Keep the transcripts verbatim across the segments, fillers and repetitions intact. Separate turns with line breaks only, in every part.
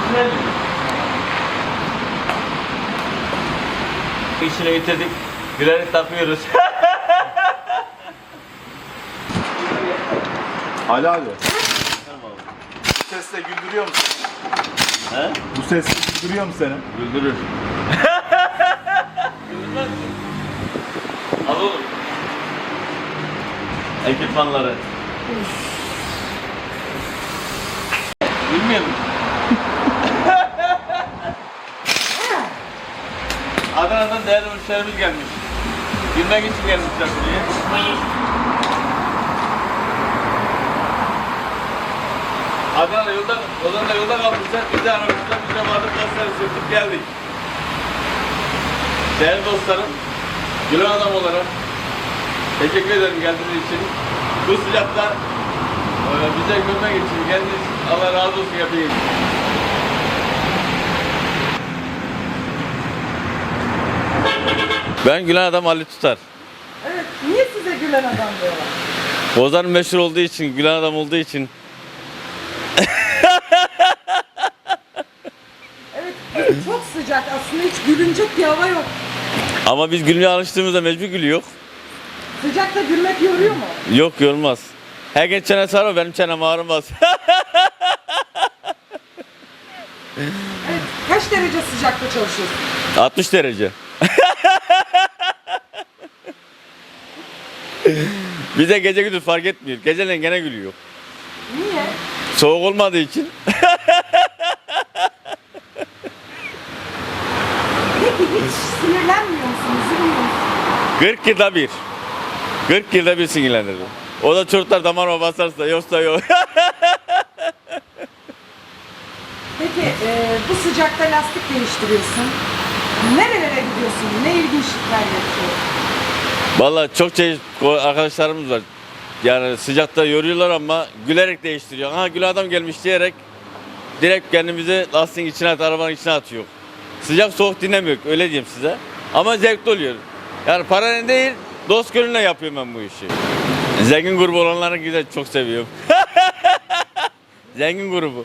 İşini bitirdik. Gülerek takıyoruz.
Ali abi. Bu sesle güldürüyor musun?
He?
Bu sesle güldürüyor mu seni?
Güldürür. Güldürmez mi? Al oğlum. Ekipmanları. Bilmiyor musun? Adana'dan değerli müşterimiz gelmiş. Bilmek için gelmişler buraya. Adana yolda, yoldan da yolda kalmışlar. Biz de aramışlar, biz de vardık, kasları sürtüp geldik. Değerli dostlarım, Gülen adam olarak teşekkür ederim geldiğiniz için. Bu sıcakta e, bize görmek için geldiğiniz için Allah razı olsun yapayım. Ben Gülen adam Ali Tutar.
Evet, niye size gülen adam diyorlar?
Bozan'ın meşhur olduğu için, Gülen adam olduğu için.
Evet, çok sıcak aslında, hiç gülünecek bir hava yok.
Ama biz gülmeye alıştığımızda mecbur gülüyor.
Sıcakta gülmek yoruyor mu?
Yok yorulmaz. Herkes çene sarar, benim çenem ağrımaz.
Evet, kaç derece sıcakta çalışıyorsun?
altmış derece. Bize gece gündüz fark etmiyor. Geceleyin gene gülüyor.
Niye?
Soğuk olmadığı için.
Peki hiç sinirlenmiyor musun, üzülmüyor musun?
kırk yılda bir. kırk yılda bir sinirlenir. O da çocuklar damarıma basarsa, yoksa yok.
Peki e, bu sıcakta lastik değiştiriyorsun. Nerelere gidiyorsun? Ne ilginçlikler yapıyorsun?
Vallahi çok şey arkadaşlarımız var. Yani sıcakta yoruyorlar ama gülerek değiştiriyor. Ha Gül adam gelmiş diyerek direkt kendimizi lastiğin içine at, arabanın içine atıyor. Sıcak soğuk dinlemiyor, öyle diyeyim size. Ama zevkli oluyor. Yani paranın değil, dost gönlüne yapıyorum ben bu işi. Zengin grubu olanları güzel, çok seviyorum. Zengin grubu.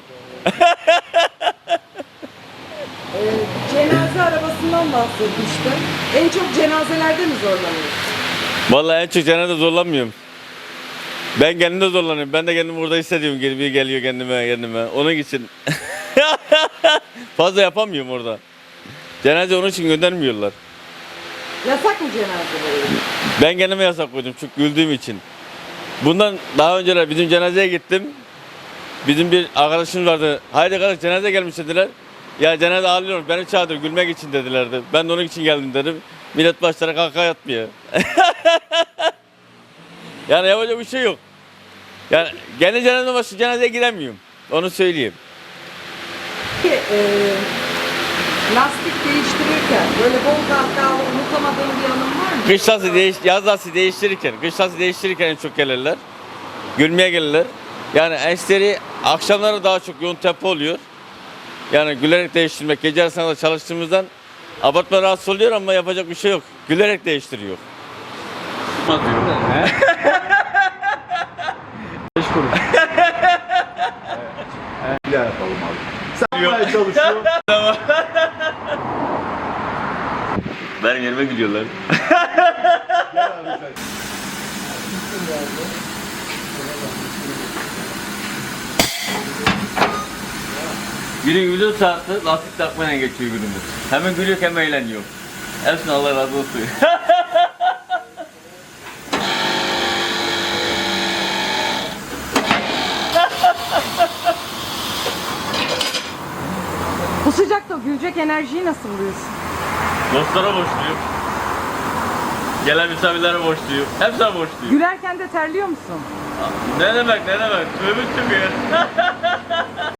E, cenaze arabasından bahsetmiştin. En çok cenazelerde mi zorlanıyorsun?
Vallahi en çok cenazede zorlanmıyorum. Ben kendimde zorlanıyorum. Ben de kendimi burada hissediyorum. Geliyor, geliyor kendime, kendime. Onun için fazla yapamıyorum orada. Cenaze onun için göndermiyorlar.
Yasak mı cenazeleri?
Ben kendime yasak koydum çünkü güldüğüm için. Bundan daha önceler bizim cenazeye gittim. Bizim bir arkadaşımız vardı. Haydi kardeş cenaze gelmiş dediler. Ya cenaze ağlıyor, beni çağırdı gülmek için dedilerdi. Ben de onun için geldim dedim. Millet başlara kalka yatmıyor. Yani yapacak bir şey yok. Yani kendi cenazeme başka cenazeye gidemiyorum. Onu söyleyeyim.
Peki e, lastik değiştirirken böyle bol kahkahalı unutamadığın bir anın var mı?
Kış lastiği değiş, yaz lastiği değiştirirken, kış lastiği değiştirirken en çok gelirler. Gülmeye gelirler. Yani eşleri akşamları daha çok yoğun tempo oluyor. Yani gülerek değiştirmek, gece arasında da çalıştığımızdan abartma rahatsız oluyor ama yapacak bir şey yok. Gülerek değiştiriyor.
Beş kuruş. Evet. Bir daha yapalım abi. Sen yapmaya çalışıyor.
Benim yerime gülüyorlar.
Gel abi sen.
Günün yüzün saati lastik takmayla geçiyor günümüz. Hemen gülüyor hem eğleniyor. Hepsine Allah razı olsun.
Bu sıcakta gülecek enerjiyi nasıl buluyorsun?
Dostlara borçluyum. Gelen misafirlere borçluyum. Hepsine borçluyum.
Gülerken de terliyor musun?
Ne demek ne demek? Tövbe tövbe ya.